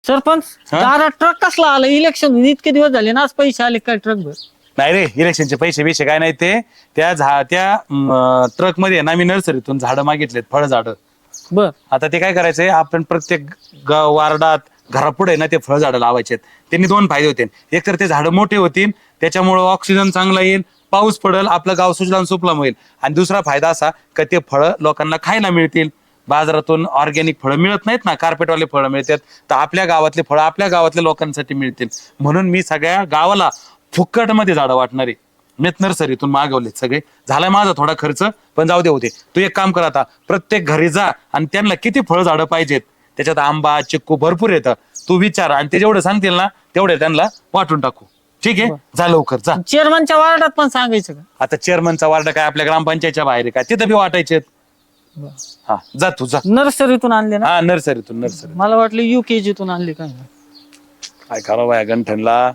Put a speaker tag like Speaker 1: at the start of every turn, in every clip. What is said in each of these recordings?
Speaker 1: सरपंच
Speaker 2: हा?
Speaker 1: दारा ट्रक कसला आला इलेक्शन इतके दिवस झाले ना आज पैसे आले काय ट्रक भर
Speaker 2: नाही रे इलेक्शनचे पैसे काय नाही ते त्या ट्रक मध्ये ना मी नर्सरीतून झाडं मागितलेत फळ झाडं.
Speaker 1: बर
Speaker 2: आता ते काय करायचंय आपण प्रत्येक वार्डात घरापुढे ना ते फळ झाडं लावायचे. त्यांनी दोन फायदे होतील. एक तर ते झाडं मोठे होतील त्याच्यामुळे ऑक्सिजन चांगला येईल, पाऊस पडेल, आपलं गाव सुजलाम सुफलाम होईल. आणि दुसरा फायदा असा की ते फळं लोकांना खायला मिळतील. बाजारातून ऑर्गॅनिक फळं मिळत नाहीत ना, कार्पेटवाले फळं मिळतात. तर आपल्या गावातले फळं आपल्या गावातल्या लोकांसाठी मिळतील म्हणून मी सगळ्या गावाला फुक्कटमध्ये झाडं वाटणारे मीच नर्सरीतून मागवलेत सगळे. झालाय माझा थोडा खर्च पण जाऊ दे होते. तू एक काम कर आता प्रत्येक घरी जा आणि त्यांना किती फळ झाडं पाहिजेत त्याच्यात आंबा चिक्कू भरपूर येतं तू विचार आणि ते जेवढं सांगतील ना तेवढे त्यांना वाटून टाकू. ठीक आहे जा लवकर जा.
Speaker 1: चेअरमनच्या वार्डात पण सांगायचं का?
Speaker 2: आता चेअरमनचा वार्ड काय आपल्या ग्रामपंचायतच्या बाहेर आहे काय तिथं बी वाटायचे. हा जा तू जा.
Speaker 1: नर्सरीतून आणले ना?
Speaker 2: हा नर्सरीतून नर्सरी.
Speaker 1: मला वाटलं UKG तून आणले काय.
Speaker 2: काय करावं या गंठनला.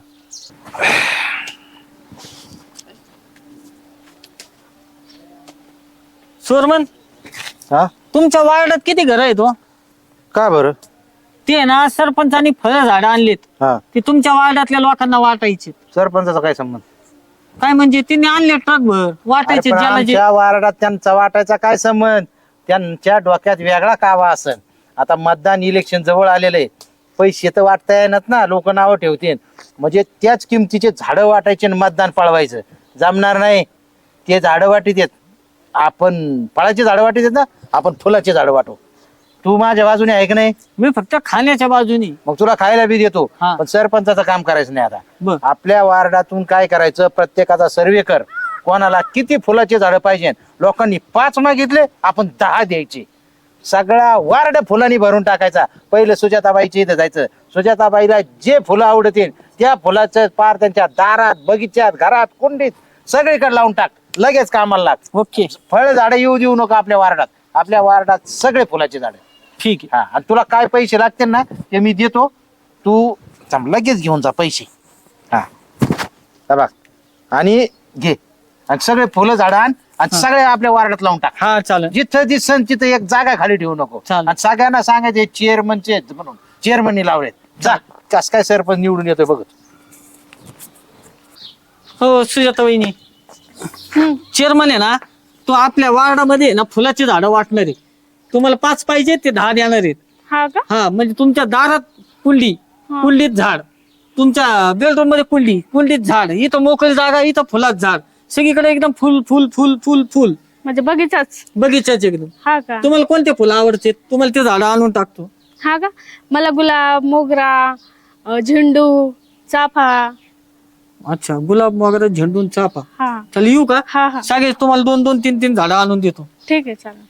Speaker 1: चेअरमन
Speaker 3: हा
Speaker 1: तुमच्या वार्डात किती घर आहेत हो?
Speaker 3: का बरं?
Speaker 1: ते ना सरपंचानी फळ झाडं आणलीत
Speaker 3: हा
Speaker 1: ते तुमच्या वार्डातल्या लोकांना वाटायचे.
Speaker 3: सरपंचाचा काय संबंध?
Speaker 1: काय म्हणजे तिने आणले ट्रक भर वाटायचे
Speaker 3: अरे पण
Speaker 1: ज्याला जे.
Speaker 3: आमच्या वार्डात त्यांचा वाटायचा काय संबंध? त्यांच्या डोक्यात वेगळा कावा असन. आता मतदान इलेक्शन जवळ आलेलं आहे, पैसे तर वाटता येणार ना, लोक नावं ठेवतील. म्हणजे त्याच किमतीचे झाडं वाटायचे आणि मतदान पळवायचं जमणार नाही. ते झाडं वाटीत येत, आपण फळाची झाडं वाटीत येत ना, आपण फुलाची झाडं वाटू. तू माझ्या बाजूने आहे की नाही?
Speaker 1: मी फक्त खाण्याच्या बाजूनी.
Speaker 3: मग तुला खायला बी देतो
Speaker 1: हा.
Speaker 3: पण सरपंचाचं काम करायचं नाही. आता
Speaker 1: बर
Speaker 3: आपल्या वार्डातून काय करायचं, प्रत्येकाचा सर्वे कर, कोणाला किती फुलाचे झाडं पाहिजे. लोकांनी 5 मागितले आपण 10 द्यायचे. सगळा वार्ड फुलांनी भरून टाकायचा. पहिलं सुजाताबाईच्या इथं जायचं, सुजाताबाईला जे फुलं आवडतील त्या फुलाचं पार त्यांच्या दारात, बगीच्यात, घरात, कुंडीत सगळीकडे लावून टाक. लगेच कामाला लाग.
Speaker 1: ओके
Speaker 3: फळ झाडं येऊ देऊ नको आपल्या वार्डात. आपल्या वार्डात सगळे फुलाचे झाडं.
Speaker 1: ठीक आहे.
Speaker 3: हा आणि तुला काय पैसे लागतील ना ते मी देतो. तू लगेच घेऊन जा पैसे. हा हे बघ आणि घे आणि सगळे फुलं झाडं आण आणि सगळे आपल्या वार्डात लावून टाक.
Speaker 1: हा चालेल.
Speaker 3: जिथं दिसन तिथं एक जागा खाली ठेवू नको.
Speaker 1: चालेल.
Speaker 3: आणि सगळ्यांना सांगायचे चेअरमनचे म्हणून, चेअरमननी लावलेत. जा कस काय सरपंच निवडून येतोय बघ.
Speaker 1: हो सुजाता वहिनी चेअरमन आहे ना, तो आपल्या वार्डामध्ये ना फुलाची झाडं वाटणार आहे. तुम्हाला 5 पाहिजे ते 10 देणार आहेत.
Speaker 4: हा का?
Speaker 1: हा म्हणजे तुमच्या दारात कुंडी, कुंडीत झाड, तुमच्या बेडरूम मध्ये कुंडी, कुंडीत झाड, इथं मोकळी जागा, इथं फुलात झाड, सगळीकडे एकदम फुल फुल फुल फुल फुल
Speaker 4: म्हणजे बगीचाच.
Speaker 1: बगीचाच एकदम.
Speaker 4: हा का?
Speaker 1: तुम्हाला कोणते फुलं आवडते तुम्हाला ते झाडं आणून टाकतो.
Speaker 4: हा का? मला गुलाब, मोगरा, झेंडू, चाफा.
Speaker 1: अच्छा गुलाब वगैरे, झेंडून, चाफा.
Speaker 4: हा
Speaker 1: चल येऊ का?
Speaker 4: हा हा
Speaker 1: सगळे तुम्हाला 2-2, 3-3 झाडं आणून देतो.
Speaker 4: ठीक आहे चालेल.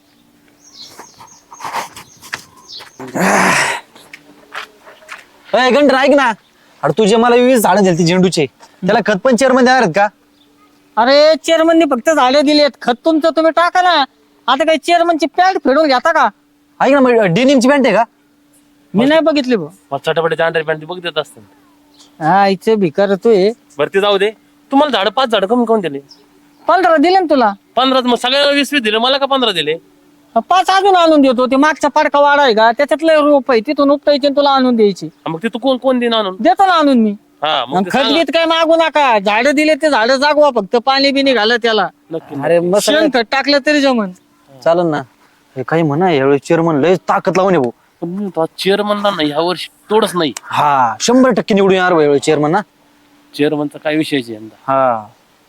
Speaker 5: घंटा ऐक ना, अरे तुझे मला 20 झाडं दिली झेंडूचे, त्याला खत पण चेअरमन देणार आहेत का?
Speaker 1: अरे चेअरमननी फक्त झाडं दिलेत, खत तुमचं तुम्ही टाका ना. आता काही चेअरमनची पॅन्ट फेडून घेता का?
Speaker 5: ऐक ना, मग डेनिमची पॅन्ट आहे का?
Speaker 1: मी नाही बघितली भाऊ.
Speaker 6: चटापटीच्या अंडर पॅन्ट बघ देत असतात.
Speaker 1: हा इथे भिकार तोय.
Speaker 6: भरती जाऊ दे. तुम्हाला झाड 5 झाड कमी कोण दिले?
Speaker 1: 15 दिले ना तुला.
Speaker 6: 15 मग सगळ्याला 20 दिले, मला का 15 दिले?
Speaker 1: 5 अजून आणून देतो. ते मागचा पाडका वाडा आहे का त्याच्यातलं रोप आहे, तिथून उपटायचे आणि तुला आणून द्यायची.
Speaker 6: मग ते तू कोण कोण देईन आणून?
Speaker 1: देतो ना आणून मी.
Speaker 6: हा मग ते
Speaker 1: खत
Speaker 6: सांगा.
Speaker 1: बीत काय मागू नका. झाडं दिले ते झाडं जागवा, फक्त पाणी बिनी घाला त्याला.
Speaker 6: नक्की.
Speaker 5: अरे मग
Speaker 1: शेण खत टाकलं तरी जमन.
Speaker 5: चालन ना. हे काही म्हणा यावेळी चेअरमन लय ताकद लावून ये भाऊ.
Speaker 6: पण मी तो चेअरमनला नाही ह्या वर्षी तोडच नाही.
Speaker 5: हा 100% निवडून येणार भाऊ यावेळी चेअरमन ना.
Speaker 6: चेअरमनचा काय विषयच आहे यंदा.
Speaker 5: हा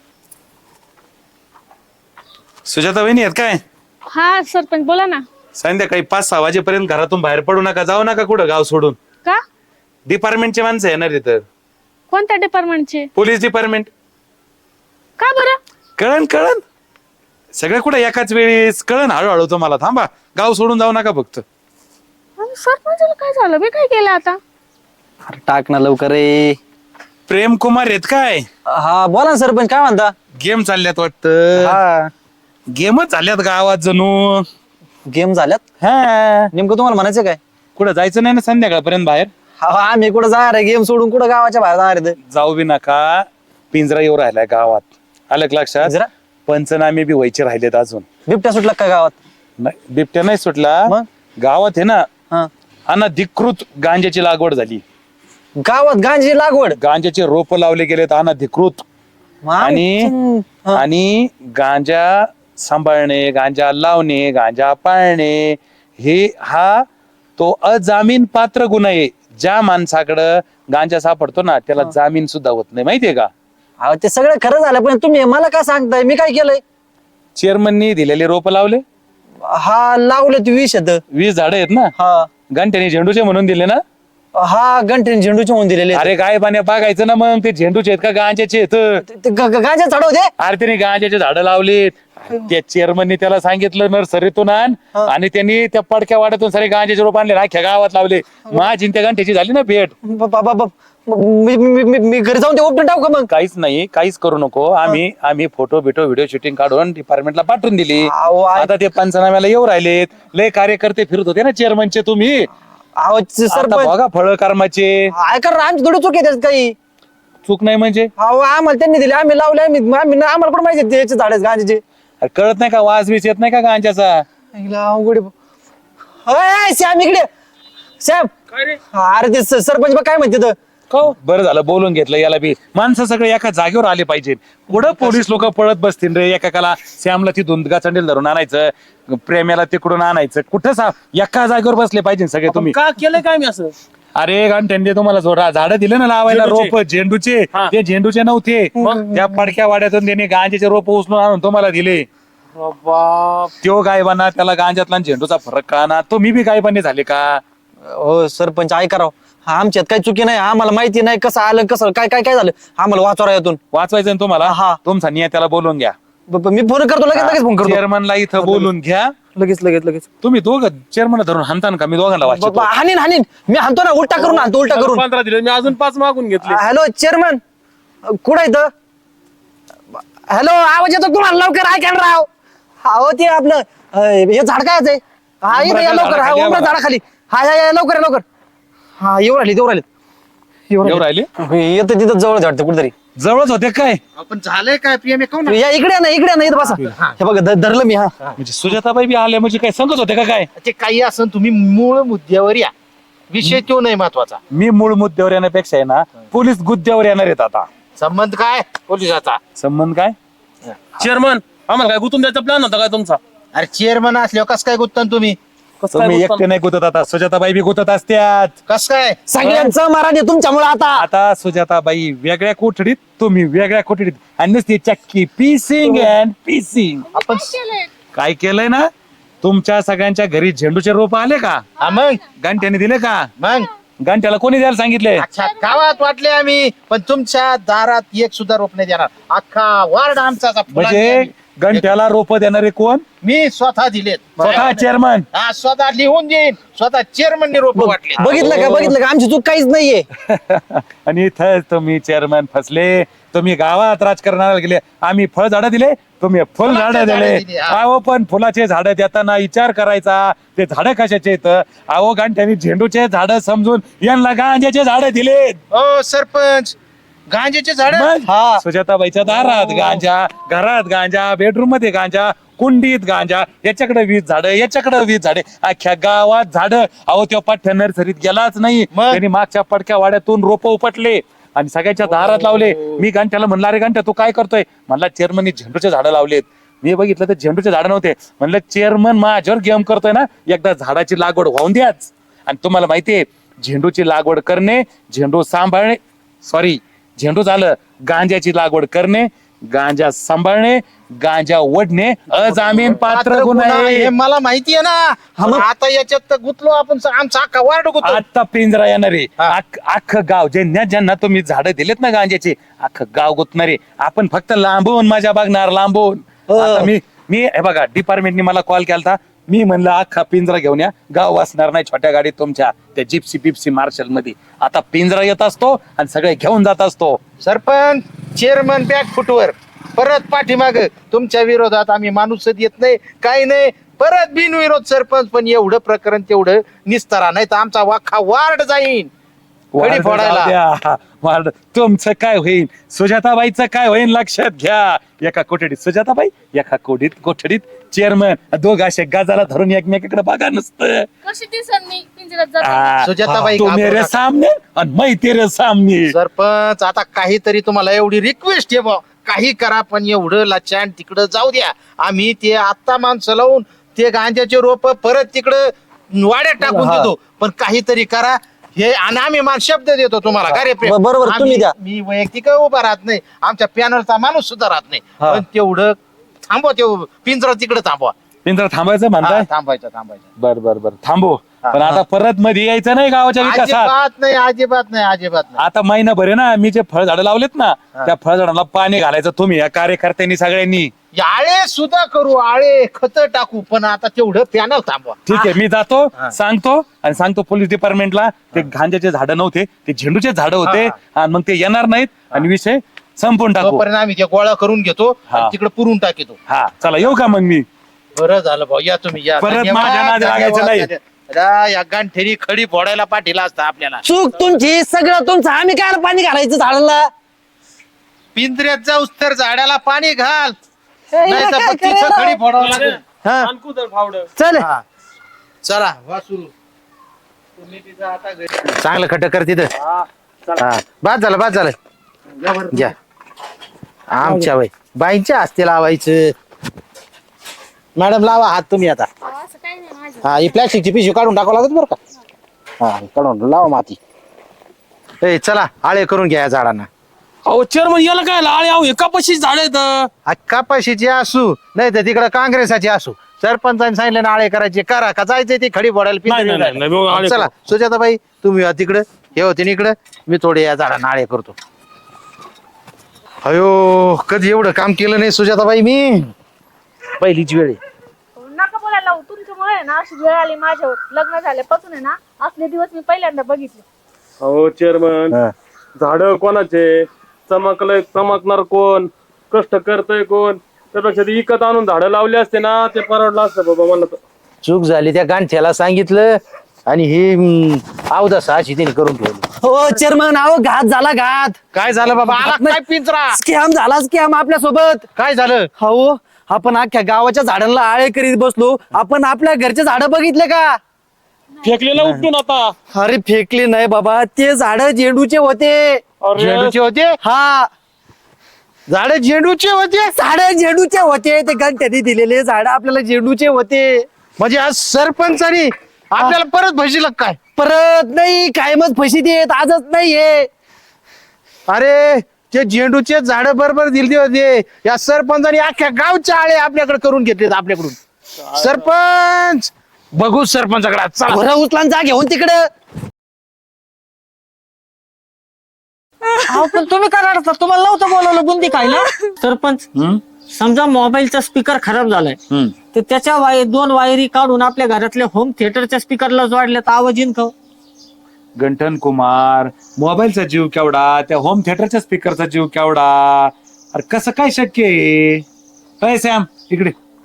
Speaker 2: सुजाता वहिनी आहेत काय?
Speaker 4: हा सरपंच बोला ना.
Speaker 2: संध्याकाळी 5-6 वाजेपर्यंत घरातून बाहेर पडू नका, जाऊ नका कुठं गाव सोडून.
Speaker 4: का?
Speaker 2: डिपार्टमेंटचे माणसं येणार तिथं,
Speaker 4: कोणत्या डिपार्टमेंटचे?
Speaker 2: Police department.
Speaker 4: का बरं?
Speaker 2: कळण कळण सगळं कुठं एकाच वेळेस कळण हळूहळू तुम्हाला. थांबा गाव सोडून जाऊ नका फक्त.
Speaker 4: अरे सरपंचाला काय झालं? मी काय केलं आता?
Speaker 5: अरे टाक ना लवकर रे.
Speaker 2: प्रेम कुमार आहेत काय?
Speaker 5: हा बोला ना सरपंच, काय म्हणता?
Speaker 2: गेम चालल्यात वाटतं.
Speaker 5: हा
Speaker 2: गेमच झाल्यात गावात जणू.
Speaker 5: गेम झाल्यात.
Speaker 2: हा
Speaker 5: नेमकं तुम्हाला म्हणायचं काय?
Speaker 2: कुठं जायचं नाही ना संध्याकाळपर्यंत बाहेर?
Speaker 5: हा आम्ही कुठं जाणार आहे? गेम सोडून कुठं गावाच्या बाहेर जाणार आहे?
Speaker 2: जाऊ बी नका. पिंजरा येऊ राहिलाय गावात, आलं का लक्षात?
Speaker 5: पिंजरा?
Speaker 2: पंचनामे बी व्हायचे राहिलेत अजून.
Speaker 5: बिबट्या सुटला का गावात?
Speaker 2: नाही बिबट्या नाही सुटला.
Speaker 5: मग?
Speaker 2: गावात आहे ना
Speaker 5: हा
Speaker 2: अनधिकृत गांजाची लागवड झाली.
Speaker 5: गावात गांजी लागवड
Speaker 2: गांजाचे रोप लावले गेलेत अनधिकृत. आणि गांजा सांभाळणे, गांजा लावणे, गांजा पाळणे हा तो अजामीन पात्र गुन्हा आहे. ज्या माणसाकडं गांजा सापडतो ना त्याला जामीन सुद्धा होत नाही, माहितीये का?
Speaker 5: अहो, ते सगळं खरं झालं पण तुम्ही मला काय सांगताय? मी काय केलंय?
Speaker 2: चेअरमननी दिलेले रोप लावले.
Speaker 5: हा लावले ते
Speaker 2: 20 झाडं आहेत ना.
Speaker 5: हा
Speaker 2: घंट्याने झेंडूचे म्हणून दिले ना.
Speaker 5: हा घंटे झेंडूचे होऊन दिलेले.
Speaker 2: अरे काय पाण्या बघायचं ना मग ते झेंडूचे आहेत का गांजाचे आहेत.
Speaker 5: गांजा झाड होते.
Speaker 2: अरे त्याने गांजाचे झाडं लावलीत. त्या चेअरमननी त्याला सांगितलं नर्सरीतून आण आणि त्यांनी त्या पडक्या वाड्यातून सारे गांजाचे रोप आणले अख्ख्या गावात लावले. माझी त्या घंट्याची झाली ना भेट.
Speaker 5: मी घरी जाऊन ते ओपन टाकू का मग?
Speaker 2: काहीच नाही, काहीच करू नको. आम्ही फोटो बिटो व्हिडिओ शूटिंग काढून डिपार्टमेंटला पाठवून दिली. आता ते पंचनाम्याला येऊ राहिलेत. लय कार्यकर्ते फिरत होते ना चेअरमनचे तुम्ही.
Speaker 5: सरपंच
Speaker 2: बघा फळ कर्माचे.
Speaker 5: ऐका आमची थोडी चूक आहे त्याच्यात काही.
Speaker 2: चूक नाही म्हणजे
Speaker 5: आम्हाला त्यांनी दिले, आम्ही लावले, आम्हाला पण माहिती त्याचे झाड गांजाचे.
Speaker 2: अरे कळत नाही का? वास बीस येत नाही का गांजाचा?
Speaker 5: श्याम इकडे. श्याम अरे ते सरपंच बघ काय म्हणते तर.
Speaker 2: बरं झालं बोलून घेतलं. याला बी माणसं सगळे एका जागेवर आले पाहिजे. पुढं पोलीस लोक पळत बसतील रे. एकाला श्यामला ती दोन चंडेल धरून आणायचं, प्रेम्याला तिकडून आणायचं. कुठं एका जागेवर बसले पाहिजे सगळे तुम्ही.
Speaker 6: का केलंय काय मी असं?
Speaker 2: अरे त्यांनी तुम्हाला झाडं दिले ना लावायला रोप झेंडूचे. ते झेंडूचे नव्हते. त्या पडक्या वाड्यातून त्यांनी गांजाचे रोप उचलून आणून तुम्हाला दिले. त्यो गायबाना त्याला गांजातला झेंडूचा फरक कळणार. तो मी बी गायबाने झाले का?
Speaker 5: हो सरपंच ऐका राव, आमच्यात काही चुकी नाही. आम्हाला माहिती नाही कसं आलं कसं काय काय काय झालं. आम्हाला वाचवा यातून.
Speaker 2: वाचवायचं तुम्हाला. तुमचा नियत्याला बोलून घ्या.
Speaker 5: मी फोन करतो लगेच फोन करतो.
Speaker 2: चेअरमनला इथं बोलून घ्या.
Speaker 5: लगेच
Speaker 2: तुम्ही दोघं चेअरमन धरून हाणतान का? मी दोघांना वाचतो.
Speaker 5: हानीन मी हाणतो ना. उलटा करून हाणतो, उलटा करून.
Speaker 6: 15 दिले, मी अजून 5 मागून घेतले.
Speaker 5: हॅलो चेअरमन, कुठं इथं? हॅलो, आवाज येतो तुम्हाला? लवकर ऐका ना राव. हो ते आपलं हे झाड काय आहे? हा इथं या लवकर. हा उमरा झाडाखाली. हा या लवकर. हा येऊ राहिले. येतं तिथं जवळ वाटतं कुठेतरी.
Speaker 2: जवळच होते काय?
Speaker 3: आपण झालंय काय पीएम
Speaker 5: या इकडे ना इथं बसा. हे बघा धरलं मी. हा
Speaker 2: म्हणजे सुजाताबाई बी आल्या म्हणजे काय सांगत होते का काय?
Speaker 3: ते काही असं तुम्ही मूळ मुद्द्यावर या. विषय तो नाही महत्वाचा.
Speaker 2: मी मूळ मुद्द्यावर येण्यापेक्षा आहे ना पोलीस गुद्द्यावर येणार आहेत आता.
Speaker 3: संबंध काय पोलिसाचा?
Speaker 2: संबंध काय?
Speaker 6: चेअरमन आम्हाला काय गुतून द्यायचा प्लॅन होता काय तुमचा?
Speaker 3: अरे चेअरमन असल्यावर कस काय गुत्तन तुम्ही?
Speaker 2: तुम्ही एकटे नाही गुतत आता. सुजाताबाई बी गुतत असत्यात.
Speaker 3: कस काय?
Speaker 5: सगळ्यांचं महाराज तुमच्यामुळे आता
Speaker 2: सुजाताबाई वेगळ्या कोठडीत, तुम्ही वेगळ्या कोठडीत. आणि नुसती चक्की पीसिंग अँड पीसिंग.
Speaker 3: आपण
Speaker 2: काय केलंय ना? तुमच्या सगळ्यांच्या घरी झेंडूचे रोप आले का?
Speaker 3: मग
Speaker 2: घंट्याने दिले का?
Speaker 3: मग
Speaker 2: घंट्याला कोणी द्यायला सांगितले?
Speaker 3: अच्छा गावात वाटले आम्ही, पण तुमच्या दारात एक सुद्धा रोप नाही देणार. अख्खा वार्ड आमचा
Speaker 2: म्हणजे घंट्याला रोप देणारे कोण?
Speaker 3: मी स्वतः दिलेत.
Speaker 2: स्वतः चेअरमन.
Speaker 3: हा स्वतः लिहून देईन. स्वतः चेअरमनने रोप वाटले.
Speaker 5: बघितलं का आमची चूक काहीच नाहीये.
Speaker 2: आणि इथंच तुम्ही चेअरमन फसले. तुम्ही गावात राजकारणाला गेले. आम्ही फळ झाडं दिले, तुम्ही फुल झाडं दिले. अहो पण फुलाचे झाडं देताना विचार करायचा. ते झाडं कशाचे आहेत? अहो घंट्याने झेंडूचे झाडं समजून यांना गांजाचे झाडं दिले.
Speaker 3: हो सरपंच, गांजेचे झाड.
Speaker 2: सुजाताबाईच्या दारात गांजा, घरात गांजा, बेडरूम मध्ये गांजा, कुंडीत गांजा. याच्याकडे 20 झाडं, याच्याकडे 20 झाडे. अख्ख्या गावात झाडं. अहो त्या पाठ्या नर्सरीत गेलाच नाही. त्यांनी मागच्या पडक्या वाड्यातून रोप उपटले आणि सगळ्याच्या दारात लावले. मी घंट्याला म्हणलं अरे घंट्या तू काय करतोय? म्हणला चेअरमननी झेंडूचे झाडं लावलेत. मी बघितलं तर झेंडूचे झाडं नव्हते. म्हणलं चेअरमन माझ्यावर गेम करतोय ना, एकदा झाडाची लागवड होऊन द्याच. आणि तुम्हाला माहितीये झेंडूची लागवड करणे, झेंडू सांभाळणे, झेंडू झालं, गांजाची लागवड करणे, गांजा सांभाळणे, गांजा ओढणे अजामीन पात्र गुन्हा आहे.
Speaker 3: हे मला माहिती आहे ना. आता याच्यात तर गुतलो आपण. आमचा अख्खा वार्ड गुतलो.
Speaker 2: आता पिंजरा येणारे अख्खं गाव. ज्यांना तुम्ही झाडं दिलेत ना गांजाची, अख्खं गाव गुतणारे. आपण फक्त लांबून मजा बघणार, लांबून. आता मी हे बघा डिपार्टमेंटने मला कॉल केलता. मी म्हणलं अख्खा पिंजरा घेऊन या. गाव वाचणार नाही छोट्या गाडीत तुमच्या त्या जिप्सी पिप्सी मार्शल मध्ये. आता पिंजरा येत असतो आणि सगळे घेऊन जात असतो.
Speaker 3: सरपंच चेअरमन बॅक फुटवर परत पाठीमाग. तुमच्या विरोधात आम्ही माणूस येत नाही, काही नाही. परत बिनविरोध सरपंच. पण एवढं प्रकरण तेवढं निस्तारा, नाही तर आमचा वाखा वार्ड जाईन फोडायला.
Speaker 2: तुमचं काय होईल, सुजाताबाईचं काय होईल लक्षात घ्या. एका कोठडीत सुजाताबाई, एका कोठडीत चेअरमन दोघ असे गाजाला धरून एकमेकाकडे बघा नसतं
Speaker 4: कशी दिसन मी पिंजऱ्यात जाते
Speaker 3: सुजाताबाई,
Speaker 2: तो
Speaker 3: घाबरू
Speaker 2: मेरे
Speaker 3: नका.
Speaker 2: सामने आणि मै तेरे सामने.
Speaker 3: सरपंच आता काहीतरी तुम्हाला एवढी रिक्वेस्ट आहे बा, काही करा पण एवढं लाचान तिकडं जाऊ द्या. आम्ही ते आत्ता माणसं लावून ते गांजाचे रोप परत तिकडं वाड्यात टाकून देतो, पण काहीतरी करा हे. आणि आम्ही शब्द देतो तुम्हाला का रे प्रेम?
Speaker 5: बरोबर, तुम्ही
Speaker 3: आम्ही-
Speaker 5: द्या.
Speaker 3: मी वैयक्तिक उभा राहत नाही, आमच्या पॅनलचा माणूस सुद्धा राहत नाही, पण तेवढं थांबवा, ते पिंजरा तिकडे थांबवा.
Speaker 2: पिंजरा थांबायचं
Speaker 3: हा,
Speaker 2: म्हणताय?
Speaker 3: थांबायचं.
Speaker 2: बर बर बर थांबू. पण आता परत मध्ये यायचं नाही गावाच्या विकासात.
Speaker 3: अजिबात नाही.
Speaker 2: आता महिनाभर आहे ना, मी जे फळझाडं लावलेत ना, त्या फळझाडांना पाणी घालायचं तुम्ही या कार्यकर्त्यांनी सगळ्यांनी.
Speaker 3: आळे सुद्धा करू, आळे खत टाकू, पण आता तेवढं पॅनल थांबवा.
Speaker 2: ठीक आहे, मी जातो सांगतो पोलीस डिपार्टमेंटला ते गांजाचे झाडं नव्हते, ते झेंडूचे झाडं होते आणि मग ते येणार नाहीत आणि विषय संपून टाकू.
Speaker 3: तोपर्यंत आम्ही ते गोळा करून घेतो आणि तिकडे पुरून टाकितो.
Speaker 2: हा चला येऊ का मग मी.
Speaker 3: बरं झालं भाऊ, या तुम्ही या.
Speaker 2: परत
Speaker 3: धन्यवाद,
Speaker 2: माझ्या नादी लागायचं
Speaker 3: धन्यवाद,
Speaker 2: नाही.
Speaker 3: धन्यवाद. या गांठेरी खडी फोडायला पाठीला असता आपल्याला.
Speaker 5: चूक तुमची, सगळं तुमचं. आम्ही काय पाणी घालायचं झाडाला?
Speaker 3: पिंजऱ्यात जाऊस तर झाडाला पाणी घाल,
Speaker 5: हे
Speaker 3: नाही तर
Speaker 5: काय
Speaker 3: मग तिथं
Speaker 5: करायला?
Speaker 3: खडी फोडावं लागेल.
Speaker 5: हा,
Speaker 6: आणकू तर फावडं.
Speaker 5: चल.
Speaker 3: हा. चला वा सुरू. तुम्ही तिथं आता घरी- चांगलं खट कर तिथं. हा, बाद झालं घ्या. आमच्या वय बाईंच्या हस्ते लावायचं. मॅडम लावा हात तुम्ही आता.
Speaker 4: असं काही नाही माझं.
Speaker 3: हा, ही प्लॅस्टिकची पिशवी काढून टाकावं लागत बरं का. हा, काढून लावा माती. ए चला, आळे करून घ्या या झाडांना.
Speaker 6: अहो चेअरमन याला काय आळे आहो एका पशी झाड आहेत.
Speaker 3: कपाशीची असू नाही तर तिकडे काँग्रेसाची असू, सरपंचाने सांगितलं ना आळे करायचे, करा का जायचंय ते खडी फोडायला
Speaker 6: नाही, नाही, नाही, नाही, आळे
Speaker 3: चला सुजाताबाई, तुम्ही या तिकडे, हे होते इकडे, मी थोडे या झाडांना आळे करतो. अयो, कधी एवढं काम केलं नाही सुजाताबाई मी. पहिलीच वेळ आहे.
Speaker 4: नका बोलायला लावू. तुमच्यामुळे आहे ना अशी वेळ आली माझ्यावर. लग्न झाल्यापासून आहे ना असले दिवस मी पहिल्यांदा बघितले.
Speaker 6: हो चेअरमन,
Speaker 3: हा.
Speaker 6: झाड कोणाचे, चमकणार कोण, कष्ट करतय कोण, त्यापेक्षा ते विकत आणून झाडं लावली असते ना, ते परवडलं असतं बाबा मला तर.
Speaker 3: चूक झाली, त्या गांठ्याला सांगितलं आणि ही अवदास अशी तिने करून ठेवली.
Speaker 5: हो चेअरमन, अहो घात झाला, घात.
Speaker 3: काय झालं बाबा? आला काय पिंजरा?
Speaker 5: स्कॅम झाला, स्कॅम आपल्या सोबत.
Speaker 3: काय झालं?
Speaker 5: हो, आपण अख्ख्या गावाच्या झाडांना आळे करीत बसलो. आपण आपल्या घरचे झाडं बघितले का?
Speaker 6: फेकलेला उपटून आता.
Speaker 5: अरे फेकले नाही बाबा, ते झाड झेंडूचे होते.
Speaker 6: अरे
Speaker 3: झेंडूचे होते?
Speaker 5: हा,
Speaker 3: झाड झेंडूचे होते?
Speaker 5: झाड झेंडूचे होते. ते गणत्याने दिलेले झाड आपल्याला झेंडूचे होते.
Speaker 3: म्हणजे आज सरपंचानी आपल्याला परत भजील काय?
Speaker 5: परत नाही, कायमच फशी देत, आजच नाहीये.
Speaker 3: अरे ते झेंडूचे झाड बरोबर दिले होते, या सरपंचानी अख्ख्या गावच्या आळे आपल्याकडे करून घेतलेत आपल्याकडून. सरपंच बघू सरपंचाकडे चला.
Speaker 5: घोरा उचला जा घेऊन तिकडं.
Speaker 1: अहो, पण तुम्ही काय रडता? तुम्हाला नव्हतं बोलवलं बुंदी खायला. सरपंच, समजा मोबाईलचा स्पीकर खराब झालाय तर त्याच्या दोन वायरी काढून आपल्या घरातल्या होम थिएटरच्या स्पीकरला जोडल्या तर आवाज येईन का?
Speaker 2: गंठन कुमार, मोबाईलचा जीव केवढा, त्या होम थिएटरच्या स्पीकरचा जीव केवढा. अरे कसं काय शक्य आहे? काय सॅम इकडे.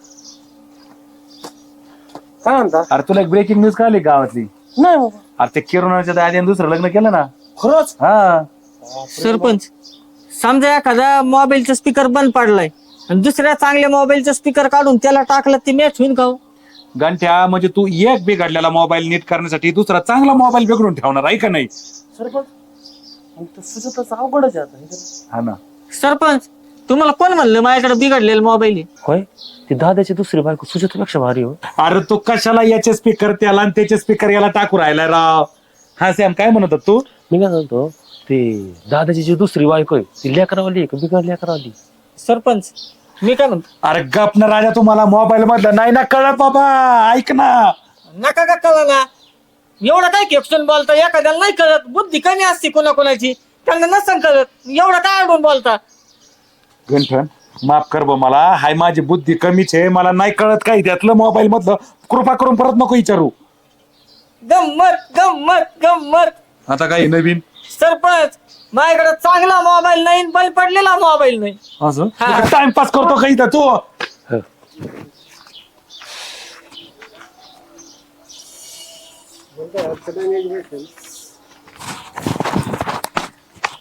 Speaker 6: काय म्हणता?
Speaker 2: अरे तुला एक ब्रेकिंग न्यूज कळली गावातली?
Speaker 6: नाही बाबा.
Speaker 2: अरे ते किरणच्या दादीने दुसरं लग्न केलं ना.
Speaker 6: खरंच?
Speaker 2: हा,
Speaker 1: सरपंच, समजा एखादा मोबाईलचा स्पीकर बंद पडलाय आणि दुसऱ्या चांगल्या मोबाईलचा स्पीकर काढून त्याला टाकलं ते मॅच होईन का?
Speaker 2: गंठ्या म्हणजे तू एक बिघडलेला मोबाईल नीट करण्यासाठी दुसरा चांगला मोबाईल बिघडून ठेवणार आहे का नाही?
Speaker 6: सरपंच, मग तर सुजाताचं अवघडच आहे आता.
Speaker 2: हा ना.
Speaker 1: सरपंच, तुम्हाला कोण म्हणलं माझ्याकडे बिघडलेला मोबाईल आहे?
Speaker 5: होय, ती दादाची दुसरी बायको सुजातापेक्षा भारी हो.
Speaker 2: अरे तू कशाला याचे स्पीकर त्याला आणि त्याचे स्पीकर याला टाकू राहिला राव? हा सॅम काय म्हणत होता तू?
Speaker 5: मी काय म्हणतो, ते दादाची जी दुसरी बायको आहे ती लेकरावाली आहे का बिगर लेकरावाली?
Speaker 1: सरपंच, मी काय म्हणतो,
Speaker 2: अरे गप ना राजा, तुम्हाला मोबाईल मधलं नाही ना कळत बाबा. ऐक ना.
Speaker 1: नका का कळा ना. एवढं काय खेपसून बोलता? एखाद्याला नाही कळत, बुद्धी कमी असते कोणाकोणाची, त्यांना नसतं कळत. एवढं काय अडून बोलता?
Speaker 2: गंठन माफ कर बा मला, हाय माझी बुद्धी कमीच आहे, मला नाही कळत काही त्यातलं मोबाईल मधलं. कृपा करून परत नको विचारू.
Speaker 1: गंमत गंमत गंमत.
Speaker 2: आता काही नवीन
Speaker 1: सरपंच, माझ्याकडे चांगला मोबाईल नाही, बल पडलेला मोबाईल नाही.
Speaker 2: असं
Speaker 1: हा.
Speaker 2: टाइमपास करतो काही तर तू.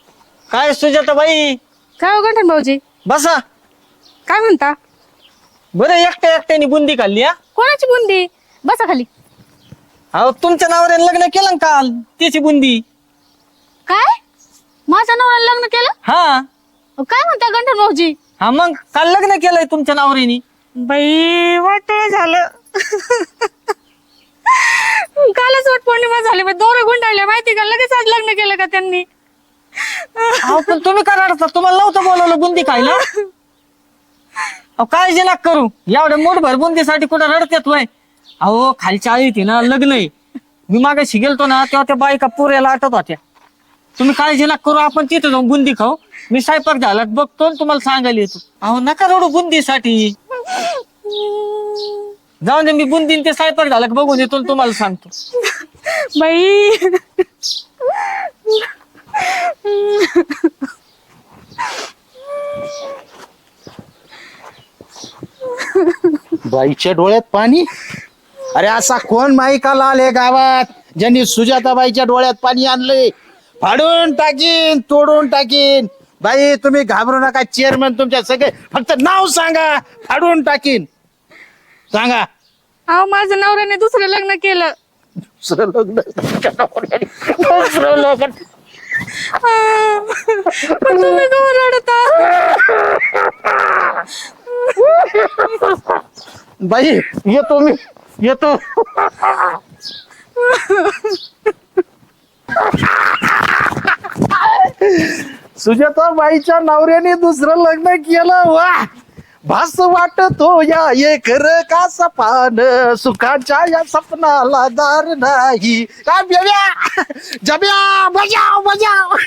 Speaker 1: काय सुजाताबाई,
Speaker 4: काय हो गंठन भाऊजी,
Speaker 1: बसा.
Speaker 4: काय म्हणता?
Speaker 1: बरं एकट्या एकट्याने बुंदी खाल्ली हा
Speaker 4: कोणाची बुंदी? बसा खाली.
Speaker 1: अहो तुमच्या नावाने लग्न केलं ना काल त्याची बुंदी.
Speaker 4: काय? माझ्या नवऱ्याला लग्न केलं?
Speaker 1: हा
Speaker 4: काय म्हणता गंठन भाऊजी?
Speaker 1: हा मग काल लग्न केलंय तुमच्या नावाने.
Speaker 4: बाई वाट झालं. कालच वट पौर्णिमा झाली, दोरे गुंडाळले माहिती का, लगेच आज लग्न केलं का त्यांनी?
Speaker 1: अहो पण तुम्ही काय रडता, तुम्हाला नव्हतं बोलवलं बुंदी खायला. अहो काळजी नका करू, एवढ्या मोठभर बुंदीसाठी कुठं रडतेत वय. अहो खालच्या आळीत ना लग्न आहे. मी मागाशी गेलतो ना तेव्हा त्या बायका पुऱ्याला आटत होत्या. तुम्ही काळजी नका करू, आपण तिथे जाऊन बुंदी खाऊ. मी स्वयंपाक झाला बघतो आणि तुम्हाला सांगायला येतो. अहो नका रडू बुंदीसाठी, जाऊन दे, मी बुंदीन ते स्वयंपाक झाला बघून येतो आणि तुम्हाला सांगतो.
Speaker 4: बाई
Speaker 3: बाईच्या डोळ्यात पाणी. अरे असा कोण माईकाला आले गावात ज्यांनी सुजाताबाईच्या डोळ्यात पाणी आणले? फाडून टाकीन, तोडून टाकीन. बाई तुम्ही घाबरू नका, चेअरमन तुमच्या सगळे, फक्त नाव सांगा, फाडून टाकीन. सांगा.
Speaker 4: अहो माझ्या नवऱ्याने दुसरं लग्न केलं.
Speaker 3: दुसरं लग्न? दुसरं लग्न?
Speaker 4: पण तुम्ही का रडता?
Speaker 3: बाई येतो मी, येतो. सुजाताबाईच्या नवऱ्याने दुसरं लग्न केलं. वा, भास वाटतो या ये खरं का सपान, सुखाच्या या सपनाला दार नाही. काय बेब्या, जब्या, बजाव बजाव.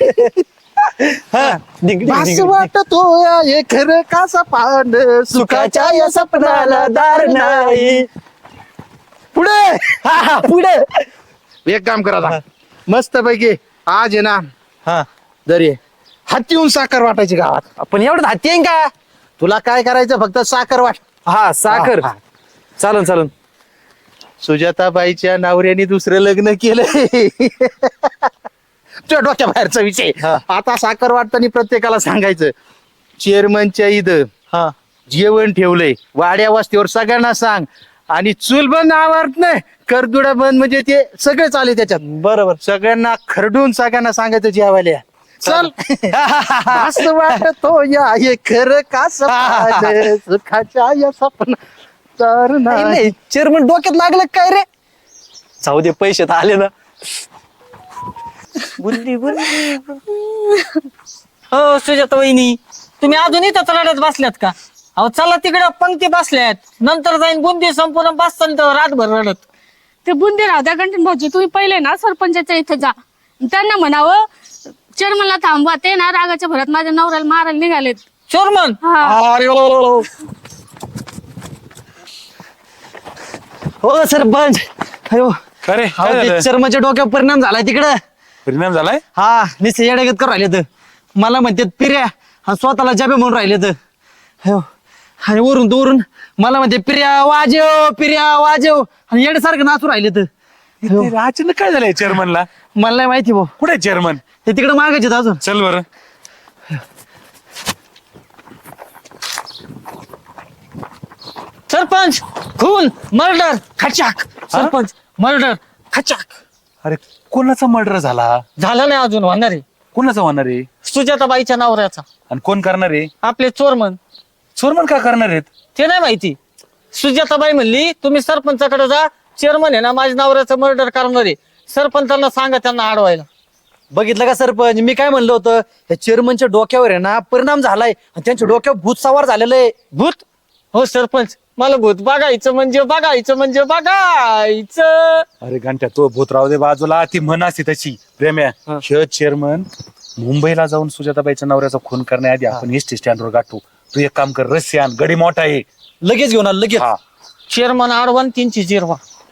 Speaker 3: भास वाटतो या ये खरं का सपान, सुखाच्या या सपनाला दार नाही. पुढे पुढे एक काम करा, मस्त पैकी आज आहे ना,
Speaker 5: हा
Speaker 3: दरी हातीहून साखर वाटायची गावात.
Speaker 5: आपण एवढं हाती आहे का?
Speaker 3: तुला काय करायचं, फक्त साखर वाट.
Speaker 5: हा साखर.
Speaker 3: हा, हा.
Speaker 5: चालन चालन.
Speaker 3: सुजाताबाईच्या नवऱ्याने दुसरं लग्न केलंय. तुझ्या डोक्या बाहेरचा विषय. आता साखर वाटताना प्रत्येकाला सांगायचं, चेअरमनच्या इथं
Speaker 5: हा
Speaker 3: जेवण ठेवलंय, वाड्या वस्तीवर सगळ्यांना सांग. आणि चूल बंद आवडत नाही, करदुडा बंद, म्हणजे ते सगळे चाले त्याच्यात.
Speaker 5: बरोबर.
Speaker 3: सगळ्यांना खरडून सगळ्यांना सांगायचं जेवायला या. चल. असं वाटतो या हे खरं का सपन, सुखाच्या या सपना तर नाही.
Speaker 5: चेअरमन डोक्यात लागलं काय रे? जाऊ दे, पैसे तर आले ना.
Speaker 1: बुंदी बुंदी. हो सुजाता वहिनी, तुम्ही अजून इथं रडत बसल्यात का? अहो चला तिकडे पंक्ती बसल्यात, नंतर जाईन बुंदी संपूर्ण बसताना रातभर रडत.
Speaker 4: ते बुंदी राहू द्या गंठन भाऊजी, तुम्ही पहिले ना सरपंचाच्या इथे जा, त्यांना म्हणावं चेअरमनला थांबवा, ते ना रागाच्या भरात माझ्या नवऱ्याला मारायला निघालेत.
Speaker 1: चोरमन.
Speaker 4: हा.
Speaker 5: अरे हो सरपंच. अयो
Speaker 2: अरे काय झालं?
Speaker 5: चर्माच्या डोक्यावर परिणाम झालाय तिकडं.
Speaker 2: परिणाम झालाय?
Speaker 5: हा निश्चित येड्यागत करून राहिले तर मला म्हणतात पिर्या, हा स्वतःला जाबे म्हणून राहिले तर. अयो आणि वरून मला म्हणते पिर्या वाजव आणि येड्यासारखं नाचू राहिले तर.
Speaker 2: इथे अचानक काय झालंय चेअरमनला?
Speaker 5: मला नाही माहिती भाऊ,
Speaker 2: कुठे चेअरमन?
Speaker 5: ते तिकडे मागायचे अजून.
Speaker 2: चल बरं.
Speaker 1: सरपंच खून मर्डर खचाक. सरपंच मर्डर खचाक.
Speaker 2: अरे कोणाचा मर्डर झाला?
Speaker 1: झालं नाही अजून, होणार आहे.
Speaker 2: कोणाचा होणार आहे?
Speaker 1: सुजाताबाईच्या नवऱ्याचा.
Speaker 2: आणि कोण करणार आहे?
Speaker 1: आपले चोरमन.
Speaker 2: चोरमन का करणार आहेत?
Speaker 1: ते नाही माहिती. सुजाताबाई म्हणली तुम्ही सरपंचाकडे जा, चेअरमन आहे ना माझ्या नवऱ्याचं मर्डर करणार आहे, सरपंचांना सांगा त्यांना अडवायला.
Speaker 5: बघितलं का सरपंच, मी काय म्हणलं होतं, या चेअरमनच्या डोक्यावर आहे ना परिणाम झालाय आणि त्यांच्या डोक्यावर भूत सवार झालेलं आहे.
Speaker 1: भूत? हो सरपंच, मला भूत बघायचं म्हणजे बघायचं.
Speaker 2: अरे घंट्या, तो भूत राहू दे बाजूला, ती म्हण असते तशी प्रेम्या. हे चेअरमन मुंबईला जाऊन सुजाताबाईच्या नवऱ्याचा खून करण्याआधी आपण एसटी स्टँडवर गाठू. तू एक काम कर, रस्सी आण, गडी मोठा आहे,
Speaker 5: लगेच घेऊन आलं लगेच.
Speaker 2: हा.
Speaker 1: चेअरमन आडवण 300.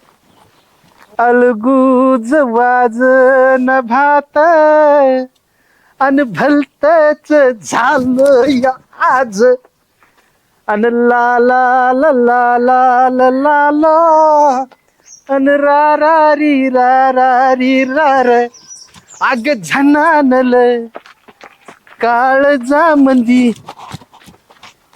Speaker 3: अलगूज वाजन भात अन भलतच झालं या आज. अन ला ला ला ला ला ला ला ला अन रा रा री रा र. आग झनानल काळजा मंदी